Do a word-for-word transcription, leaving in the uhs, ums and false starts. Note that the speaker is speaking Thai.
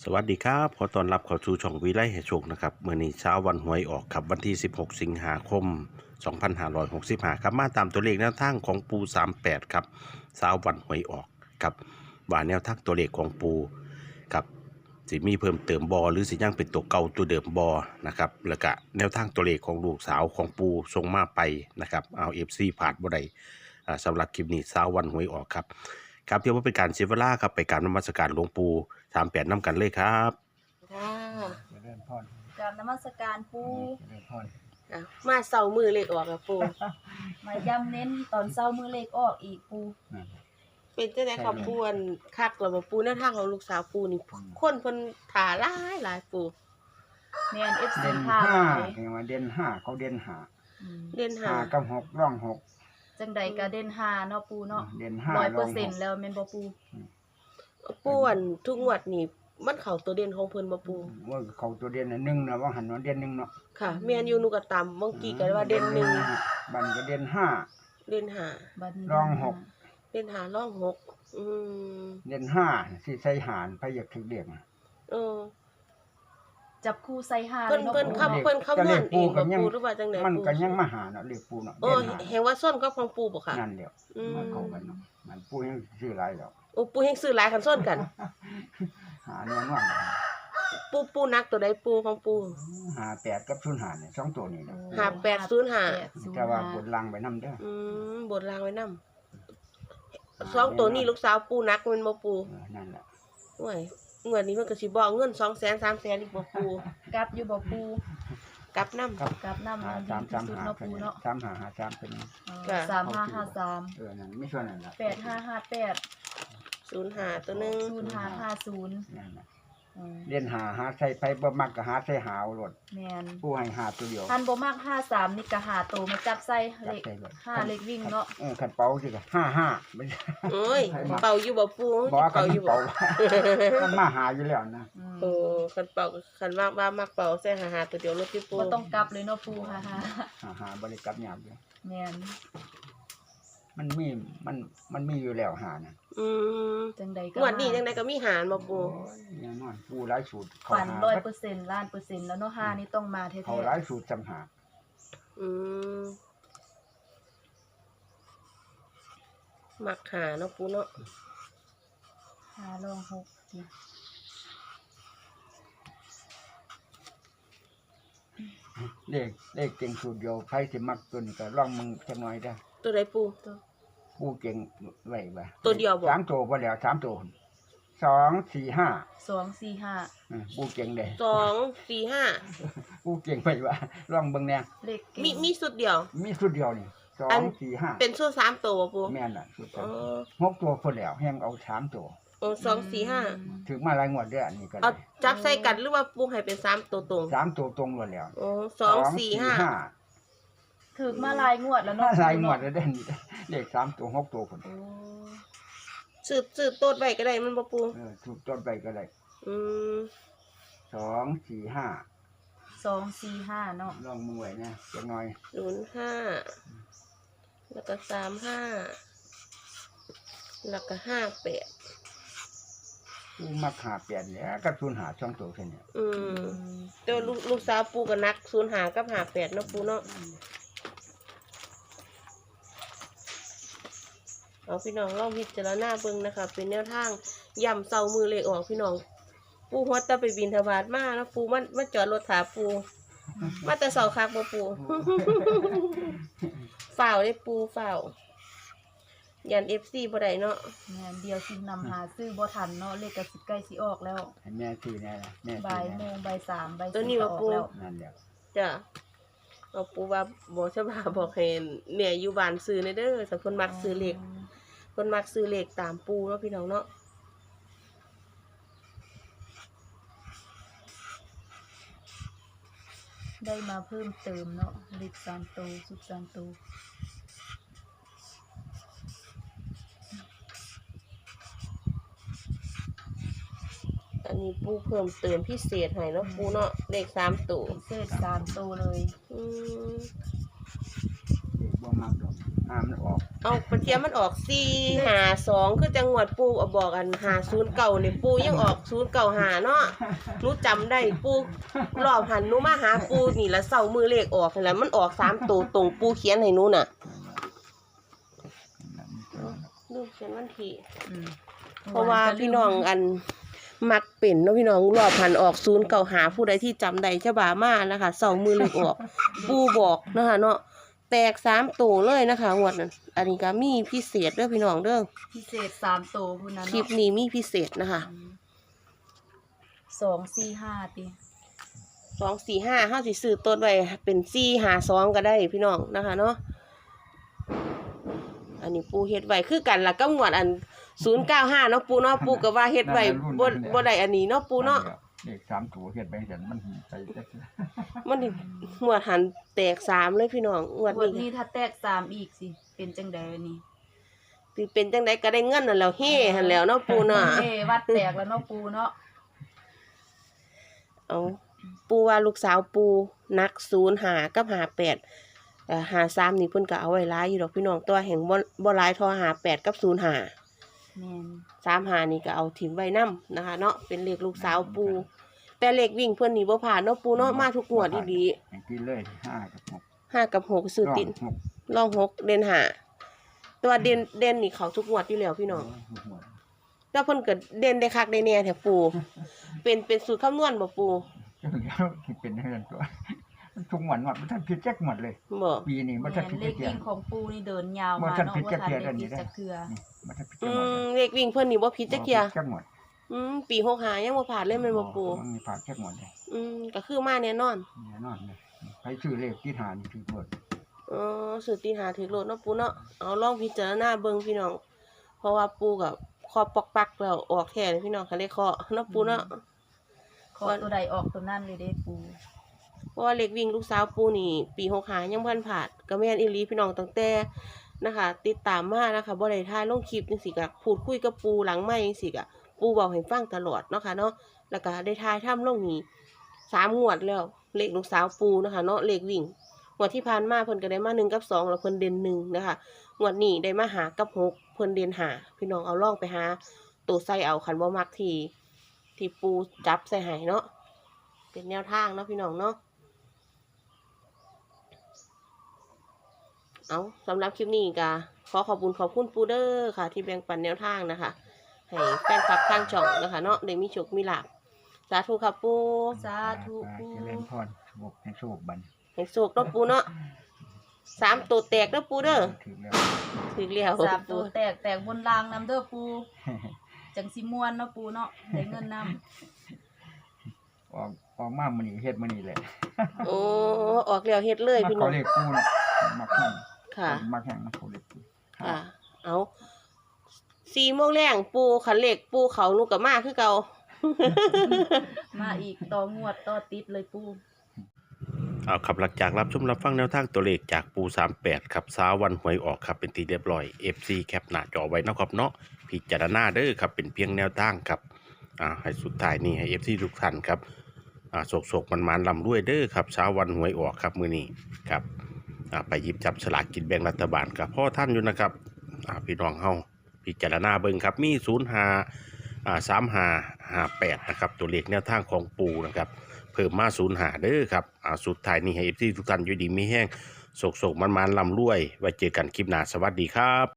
สวัสดีครับขอต้อนรับเข้าสู่ช่องวิไลให้โชคนะครับเมื่อนี้เช้าวันหวยออกครับวันที่สิบหกสิงหาคมสองพันห้าร้อยหกสิบห้าครับมาตามตัวเลขแนวทางของปูสามแปดครับเช้าวันหวยออกครับว่าแนวทางตัวเลขของปูครับสิมีเพิ่มเติมบอหรือสิยังเป็นตัวเก่าตัวเดิมบอนะครับแล้วก็แนวทางตัวเลขของลูกสาวของปูส่งมาไปนะครับเอาเอฟซีผ่านบ่ได้สำหรับคลิปนี้เช้าวันหวยออกครับครับเพื่อว่าเป็นการเสียเวลาครับไปการนมัสการหลวงปู่สามแปดน้ำกันเลยครับค่ะเจริญพรกราบนมัสการปูเจริญพรอ่ะมาเสามือเลขออกกับปูมาย้ำเน้นตอนเช้ามือเลขออกอีกปูนั่นเป็นจังได๋ครับปูอันคักแล้วบ่ปูแนวทางของลูกสาวปูนี่คนเพิ่นถ่าหลายหลายปูแม่น เอฟ ซีเด่นพาห้าไปเห็นว่าเด่นห้าเขาเด่นห้าอืมเด่นหาห้ากับหกร่องหกจังใดก็เด่นหาเนาะปูเนาะเด่นห้าร้อยร่เปออง ร์เซ็นหต์กแล้วแม่นบ่ปูปูอันทุกงวดนี่มันเข้าตัวเด่นของเพิ่นบ่ปูว่าเขาตัวเด่นน่ะหนึ่งนะว่าหันว่าเด่นหนึ่งเนาะค่ะแม่นอยู่หนูก็ตามบางกี้ก็ว่าเด่นหนึ่งบันก็เด่นห้าเด่นห้าบัดนี้รองหกเด่นห้าร่องหกอืมเด่นห้าสิใส่หารไปอยากถึงเด็กเออจับคู่ใส่หาเพิ่นลยาะเพิ่นปูคำเพิ่นคำนวณเองบ่ปูหรือว่าจังได๋มันปูก็ยังมาหาเนาะเรียกปูเนาะโอ้เด่นห้าแฮงว่าส้นกับของปูบ่ค่ะนั่นเดียวอืมมันเข้ากันเนาะมันปูยังซื้อหลายแล้วโอ้ปูแฮงซื้อหลายคันส้นกันหาแน่นอนปูปูนักตัวใดปูของปูหาแปดกับศูนย์หาเนี่ยสองตัวนี่เนาะห้าแปดศูนย์ห้าแต่ว่าบนลังไปนำเด้ออืมบทลางไว้นำสองตัวนี้ลูกสาวปูนักแม่นบ่ปูเออนั่นแหละโอ้ยงวดนี้มันก็สิบอกเงิน สองแสน สามแสนอีกบ่ปูกลับอยู่บ่ปูกลับนำครับกลับนำหามันดีสามที่สามสุดหาเนาะเป็นปูเนาะสามหาหาสามเป็นเออสามห้าห้าสามเออนั่นไม่ช่วยนั่นละแปดห้าห้าแปดศูนย์ห้าตัวหนึงศูนย์ห้าห้าศูนย์นั่นน่ะอืมเรียนหาหาใส่ไปบ่มักก็หาใส่หาวรถแม่นผู้ให้หาตัวเดียวทันบ่มากห้าสามนี่ก็หาโตมาจับใส่เลขจับใส่เลยห้าเลขวิ่งเนาะเออขันเป๋าสิก็ห้าห้าไม่ใช่โอ้ยเป่าอยู่บ่ปูบอกว่าขัเป่าน อยู่บ่เป๋ามันมาหาอยู่แล้วนะอืมโอ้คันเป่าคันว่าว่ามักเป่าใส่หาหาตัวเดียวรถที่ปูบ่ต้องกลับเลยเนาะปูฮ่าฮ่าหาหาบริกรรมหยาบอยู่แม่นมันมีมันมันมีอยู่แล้วหานะอืมจังใดก็งวดนี้จังไดก็มีหารบ่ปูโอ้ยแน่นอนผู้หลายสูตรเขาฝันหาร้อยเปอร์เซ็นต์ล้านเปอร์เซ็นต์แล้วเนาะห้านี่ต้องมาแท้เขาหลายสูตรจำหาอืมมักหาเนาะปูเนาะๆห้าลองหกสิเลขเลขเก่งสูตรเดียวใครสิมักตัวนี้ก็ลองมึงจักหน่อยเด้อตัวใดปูผู้เก่งไว้บ่ตัวเดียวบ่สามตัวพอแล้วสามตัวสองสี่ห้าสองสี่ห้าอืมผู้เก่งเด้สอง สี่ ห้าผู้เก่งไปว่าลองเบิ่งแน่เลขเก่งมีมีสุดเดียวมีชุดเดียวนี่สออังนสี่ห้าเป็นชุดสามตัวบ่ปูแม่นน่ะชุดอ๋อหกตัวพอแล้วแฮงเอาสามตัวโอ้สอง สี่ ห้าถึงมาหลายงวดเด้ออันนี้ก็เอาได้จับใส่กันหรือว่าปูให้เป็นสามตัวตรงสามตัวตรงหมดแล้วโอ้สอง สี่ ห้าถึกมาหลายงวดแล้วมาเนาะหลายงวดแล้วเด้อนี่เลขสามตัวหกตัวพุ่นโอ้สืบสืบโต๊ดไว้ก็ได้มันบ่ปูเออถูกต้นไปก็ได้อืมสองสี่ห้าสองสี่ห้าเนาะลองมือไว้นะจักหน่อยศูนย์ห้า แล้วก็สามห้า แล้วก็ห้าแปดผู้มักหาเปลี่ยนแล้วก็ศูนย์หาช่องตัวแค่นี้อืมเดี๋ยวลูกลูกสาวปูกับนักศูนย์หากับหาแปดเนาะปูเนาะเอาพี่น้องลองพิจารณาเบิ่งนะคะ เป็นแนวทางย่ำเซามือเลขออกพี่น้อง ปูฮอตตะไปบินทบาทมาแล้วปูมันมาจอดรถถาปู มาแต่เสาคักบ่ปู ฝ่าวได้ปูฝ่าวยันเอฟซีบ่ได้เนาะงานเดียวสินำหาซื้อบ่ทันเนาะเลขก็สิใกล้สิออกแล้วให้แม่ซื้อแน่ล่ะแม่ซื้บ่าอยโมแน่งบ่ายสามบ่ายตัวสี่นี้ก็ว่าออกปูแล้วนั่นแหละจ้ะเอาปูว่าบอกชะบาบอกให้เนี่ยอยู่บ้านซื้อในเด้อสักคนมักซื้อเลขคนมักซื้อเลขตามปูเนาะพี่น้องเนาะได้มาเพิ่มเติมเนาะเลขสามตัวสุดสามตัวอันนี้ปูเพิ่มเติมพิเศษให้เนาะปูเนาะเลขสามตัวพิเศษสามตัวเลยอืมเลขบ่มักดอกหาห้ามันออกเอาปะเทียมมันออกสี่ห้าสองคือจังหวัดปูเอาบอกอันห้าศูนย์เก้านี่ปูยังออกศูนย์เก้าห้าเนาะหนูจำได้ปูรอบหันหนูมาหาปูนี่ละเสามือเลขออกนี่แหละมันออกสามตัวตรงปูเขียนให้หนูน่ะลูกเขียนวันที่อืมเพราะว่าพี่น้องอันมักเป็นเนาะพี่น้องรอบหันออกศูนย์เก้าหาผู้ใดที่จำได้ฉบามานะคะเสามือเลขออกปูบอกนะคะเนาะแตกสามตัวเลยนะคะงวดนั้นอันนี้ก็มีพิเศษเด้อพี่น้องเด้อพิเศษสามโตวพุ่นนั้นคลิปเนาะนี้มีพิเศษนะคะสองสี่ห้าติสองสี่ห้าห้าสิซื้อต้นไว้เป็นสี่หาสองก็ได้พี่น้องนะคะเนาะอันนี้ปูเฮ็ดไว้คือกันละก็งวดอันศูนย์เก้าห้าเนาะปูเนาะปูก็ว่าเฮ็ดไว้บ่บ่ได้อันนี้เนาะปูเนาะเลขสามตัวเฮ็ดไปจังมันไปจักมันนี่งวดหันแตกสามเลยพี่น้องงวดวันนี้นี้ถ้าแตกสามอีกสิเป็นจังใดวันนี้สิเป็นจังไดก็ได้เงินนั่นแหล้วเฮ้หันแหล้วเนาะปูเนาะเอ้วัดแตกแล้วเนาะปูเนาะเอาปูว่าลูกสาวปูนักศูนย์หากับหาแปดเอ่อหาสามนี่เพิ่นก็เอาไว้หลายอยู่ดอกพี่น้องตัวแห่งบ่บ่หลายเทอหาแปดกับศูนย์หาแม่นสามหานี่ก็เอาถิ่มไว้นํนะคะเนาะเป็นเลขลูกสาวปู แต่เลขวิ่งเพิ่นนี่บ่ผ่านเนาะปูเนาะมาทุกงวดดีอย่างที่เลยห้ากับหกๆห้ากับหกซื้อติดหกรองหกเด่นหาตัวเด่นเด่นนี่เขาทุกงวดอยู่แล้วพี่น้องหัวแล้วเพิ่นก็เด่นได้คักได้แน่แท้ปู เป็นเป็นสูตรคำนวณบ่ปูจังแล้วที่เป็นเรื่องตัวมันทุกหวันหมดมันท่านผิดแจ็คหมดเลยบ่ปีนี้มันแม่ท่านนผิดเลขแจ็ควิ่งของปูนี่เดินยาวบ่มาทันเนาะผิดว่าจักทันเทื่อได้เดี๋ยวนี้ผิดเด้อจักเทื่อนี่มันท่านผิดอืแจ็คหมดมเลยเลขวิ่งเพิ่นนี่บ่ผิดจักเที่ยแจ็คหมดอืมปีหกห้ายังบ่ผ่านเลยแม่นบ่ปูมันมีผ่านแจ็คหมดเลยอืมก็คือมาแน่นอนแน่นอนเลยใครชื่อเลขที่หานี่ถือหมดอ๋อสูตรตีนหาถือโลดเนาะปูเนาะเอาลองพิจารณาเบิ่งพี่น้อง เพราะว่าปูก็คอปอกปักแล้วออกแท้เลยพี่น้องคันได้เคาะเนาะปูเนาะขอตัวใดออกตัวนั้นเลยเด้ปูเพราะว่าเลขวิ่งลูกสาวปูนี่ ปีหกห้ายังบ่ทันผ่านก็แม่นอีหลีพี่น้องตั้งแต่นะคะ ติดตามมานะคะบ่ได้ถ่ายลงคลิปจังซี่ก็พูดคุยกับปูหลังไมค์จังซี่ก็ปูเว้าให้ฟังตลอดเนาะค่ะเนาะแล้วก็ได้ถ่ายทำลงนี่สามงวดแล้วเลขลูกสาวปูนะคะเนาะเลขวิ่งงวดที่ผ่านมาเพิ่นก็ได้มาหนึ่งกับสองแล้วเพิ่นเด่นหนึ่งนะคะงวดนี้ได้มาหากับหกเพิ่นเด่นหาพี่น้องเอาลองไปหาตัวใส่เอาคันบ่มักที่ที่ปูจับใส่ให้เนาะเป็นแนวทางเนาะพี่น้องเนาะ เอาสำหรับคลิปนี้ก็ขอขอบคุณขอบคุณปูเดอร์ค่ะ ที่แบ่งปันแนวทางนะคะ ให้แฟนคลับทางช่องนะคะเนาะได้มีโชคมีลาภสาธุค่ะปูสาธุไปปูเจริญพรโชคให้โชคบันให้โชคเนาะปูเนาะสามตัวแตกเนาะปูเด้อถือแล้วถึงแล้วสามตัวแตกแตกบนรางนำเด้อปูจังสิม่วนเนาะปูเนาะได้เงินนำออกออกมามื้อนี้เฮ็ดมื้อนี้แหละโอ้ออกแล้วเฮ็ดเลยมาพี่น้เขาองเลขกูน่ะมักแห้งค่ะมักแห้งมาเขาเลขกูค่ะ เอาสี่โมงแรงปูขันเหล็กปูเขานุกกับมาคือเก่ามาอีกต่องวดต่อติดเลยปูเอาครับหลังจากรับชมรับฟังแนวทางตัวเลขจากปูสามแปดครับเช้าวันหวยออกครับเป็นทีเรียบร้อย เอฟ ซี แคปหน้าจอไว้นะครับเนาะพิจารณาเด้อครับเป็นเพียงแนวทางครับอ่าให้สุดท้ายนี่ให้ เอฟ ซี ทุกท่านครับอ่าโศกๆมันๆลำด้วยเด้อครับเช้าวันหวยออกครับมื้อนี้ครับอ่าไปหยิบจับสลากกินแบ่งรัฐบาลกับพ่อท่านอยู่นะครับอ่าพี่น้องเฮาพิจารณาเบิ่งครับมีศูนย์ห้าอ่าสามห้าห้าแปดนะครับตัวเลขแนวทางของปูนะครับเพิ่มมาศูนย์หาเด้อครับอ่าสุดท้ายนี่ให้เอฟซีทุกท่านอยู่ดีมีแห้งโศกๆมันๆลำรวยไว้เจอกันคลิปหน้าสวัสดีครับ